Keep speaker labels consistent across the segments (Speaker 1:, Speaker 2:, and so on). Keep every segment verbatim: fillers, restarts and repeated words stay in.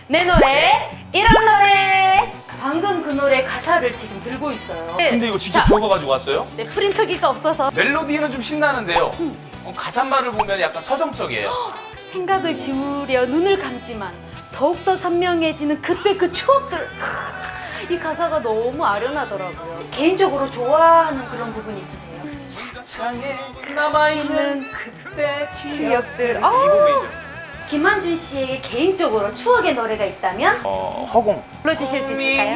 Speaker 1: 내 노래 이런 노래. 방금 그 노래 가사를 지금 들고 있어요.
Speaker 2: 근데 이거 직접
Speaker 1: 자,
Speaker 2: 적어가지고 왔어요?
Speaker 1: 네, 프린터기가 없어서
Speaker 2: 멜로디는 좀 신나는데요. 어, 가사말을 보면 약간 서정적이에요.
Speaker 1: 생각을 지우려 눈을 감지만 더욱더 선명해지는 그때 그 추억들. 이 가사가 너무 아련하더라고요. 개인적으로 좋아하는 그런 부분이 있으세요?
Speaker 2: 창에 남아있는 그때
Speaker 1: 기억들.
Speaker 2: 이
Speaker 1: 아.
Speaker 2: 부분이죠.
Speaker 1: 김한준 씨에게 개인적으로 추억의 노래가 있다면
Speaker 2: 어, 허공.
Speaker 1: 불러주실 수 있을까요?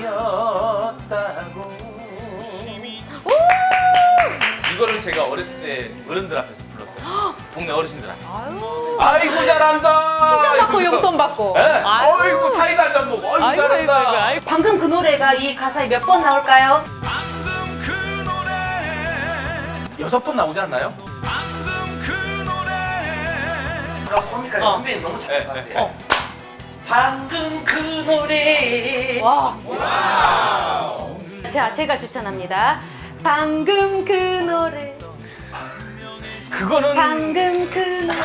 Speaker 2: 이거를 제가 어렸을 때 어른들 앞에서 불렀어요. 동네 어르신들한테.
Speaker 1: 아유,
Speaker 2: 아이고 잘한다.
Speaker 1: 칭찬받고
Speaker 2: 이러면서.
Speaker 1: 용돈 받고.
Speaker 2: 네. 아이고 사이다 한 잔 먹어. 아이고,
Speaker 1: 아이고, 아이고,
Speaker 2: 잘한다.
Speaker 1: 아이고, 아이고. 방금 그 노래가 이 가사에 몇 번 나올까요?
Speaker 3: 방금 그 노래
Speaker 2: 여섯 번 나오지 않나요?
Speaker 3: 방금 그 노래
Speaker 4: 코미카의
Speaker 1: 어.
Speaker 4: 선배님 너무 잘
Speaker 2: 네,
Speaker 4: 봤는데
Speaker 2: 네.
Speaker 1: 어.
Speaker 4: 방금 그 노래
Speaker 1: 와. 자, 제가 추천합니다. 방금 그 노래.
Speaker 2: 그거는
Speaker 1: 방금 그 노래.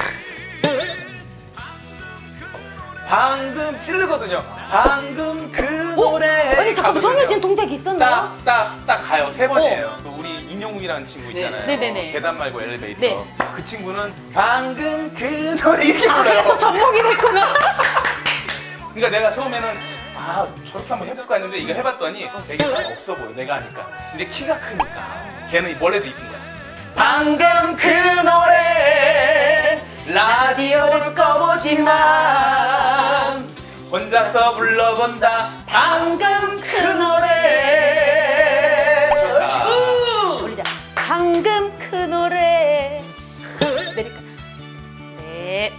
Speaker 2: 방금 찌르거든요. 방금 그
Speaker 1: 어?
Speaker 2: 노래.
Speaker 1: 아니, 잠깐만, 정해진 동작이 있었나요?
Speaker 2: 딱딱딱 가요. 세 번이에요. 또 우리 인용욱이라는 친구 있잖아요.
Speaker 1: 네. 네네네.
Speaker 2: 계단 말고 엘리베이터.
Speaker 1: 네.
Speaker 2: 그 친구는 방금 그 노래 이렇게
Speaker 1: 아,
Speaker 2: 불러요.
Speaker 1: 그래서 접목이 됐구나.
Speaker 2: 그러니까 내가 처음에는 아 저렇게 한번 해볼까 했는데 이거 해봤더니 되게 잘 없어 보여 내가 하니까. 근데 키가 크니까 걔는 원래도 이쁜 거야. 방금 그 노래 라디오를 꺼보지만 혼자서 불러본다. 방금 그 노래. 좋다.
Speaker 1: 부르자. 방금 그 노래. 내릴까? 네.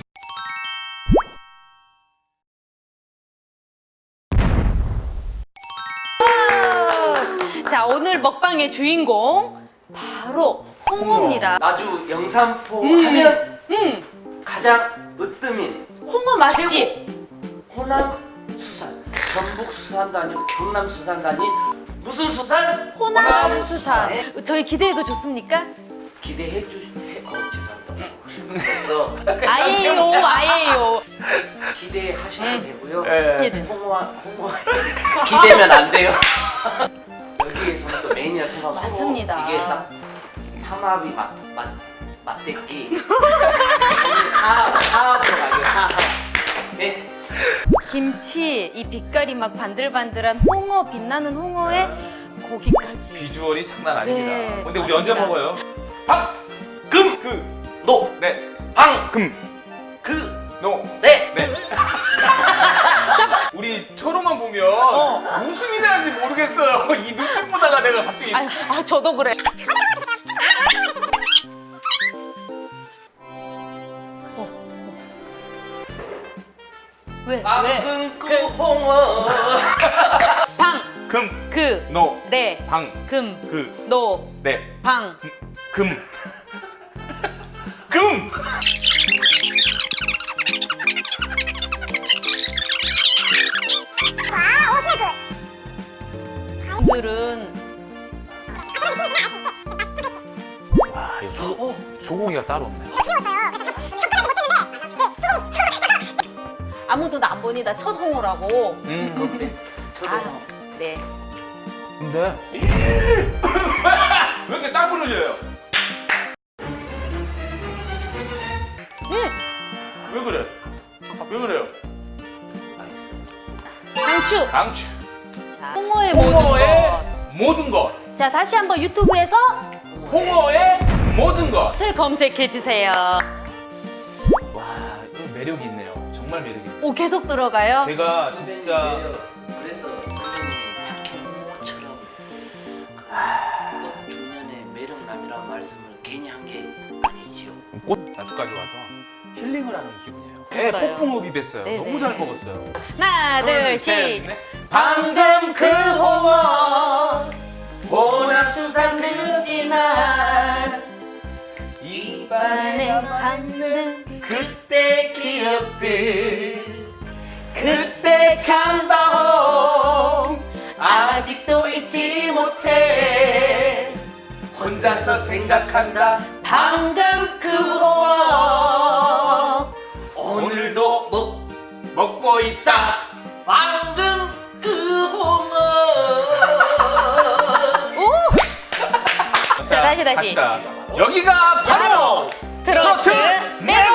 Speaker 1: 자, 오늘 먹방의 주인공 바로 홍어입니다.
Speaker 4: 나주 영산포
Speaker 1: 음.
Speaker 4: 하면
Speaker 1: 음,
Speaker 4: 가장 으뜸인
Speaker 1: 홍어 맛집.
Speaker 4: 최고 호남 수산 전북 수산도 아니고 경남 수산도 아닌 무슨 수산?
Speaker 1: 호남 수산.
Speaker 4: 수산에
Speaker 1: 저희 기대해도 좋습니까?
Speaker 4: 기대해 주시 해, 어 죄송합니다 그래서
Speaker 1: 아예요, 아예요.
Speaker 4: 기대하시면 되고요
Speaker 2: 예.
Speaker 1: 네네.
Speaker 4: 홍어 홍어 기대면 안 돼요 여기에서는 또 메인이라 생각하고
Speaker 1: 맞습니다.
Speaker 4: 이게 딱 삼합이 맛맛 맛대기 사합 사합으로 가요 사합 네.
Speaker 1: 김치, 이 빛깔이 막 반들반들한 홍어, 빛나는 홍어에 고기까지.
Speaker 2: 비주얼이 장난 아닙니다.
Speaker 1: 네,
Speaker 2: 근데 우리 언제
Speaker 1: 맞습니다.
Speaker 2: 먹어요? 방! 금! 그!
Speaker 4: 노!
Speaker 2: 네.
Speaker 4: 방!
Speaker 2: 금!
Speaker 4: 그!
Speaker 2: 노!
Speaker 4: 네!
Speaker 2: 네. 우리 초롱만 보면
Speaker 1: 어.
Speaker 2: 무슨 일을 하는지 모르겠어요. 이 눈빛 보다가 내가 갑자기
Speaker 1: 아, 아, 저도 그래. 어, 어. 왜? 왜?
Speaker 4: 방금 그 홍어
Speaker 1: 방,
Speaker 2: 금!
Speaker 1: 그,
Speaker 2: 노!
Speaker 1: 네,
Speaker 2: 방!
Speaker 1: 금,
Speaker 2: 그!
Speaker 1: 노,
Speaker 2: 네.
Speaker 1: 방.
Speaker 2: 금! 금!
Speaker 1: 분들은
Speaker 2: 아, 이거 소, 소고기가 따로 없네.
Speaker 1: 아무도 나 안 보니 나 첫 홍어라고.
Speaker 2: 음.
Speaker 4: 저도
Speaker 1: 아, 네.
Speaker 2: 근데 왜 이렇게 땀을 흘려요?
Speaker 1: 음,
Speaker 2: 왜 그래? 왜 그래요?
Speaker 1: 강추.
Speaker 2: 강추.
Speaker 1: 자, 홍어의 모든
Speaker 2: 홍어의
Speaker 1: 것.
Speaker 2: 모든 것.
Speaker 1: 자, 다시 한번 유튜브에서
Speaker 2: 홍어의 모든 것.
Speaker 1: 을 검색해 주세요.
Speaker 2: 와, 이거 매력이 있네요. 정말 매력이 있네요.
Speaker 1: 오, 계속 들어가요.
Speaker 2: 제가 진짜
Speaker 4: 그래서 선배님이 사케모처럼 꽃 중년의 매력남이라는 말씀을 괜히 한 게 아니지요.
Speaker 2: 꽃 나주까지 와서 힐링을 하는 기분이에요.
Speaker 1: 됐어요.
Speaker 2: 네, 폭풍 흡입했어요.
Speaker 1: 네네.
Speaker 2: 너무 잘 먹었어요.
Speaker 1: 하나, 둘, 셋.
Speaker 2: 넷.
Speaker 4: 방금 그 홍어 호남 수산 듣지만
Speaker 1: 입안에 담는
Speaker 4: 그때 기억들 그때 참다홍 아직도 잊지 못해 혼자서 생각한다 방금 그 홍어 오늘도 먹, 먹고 있다
Speaker 1: 다시 다시.
Speaker 2: 갑시다. 여기가 바로
Speaker 1: 트로트
Speaker 2: 트로트
Speaker 1: 메로.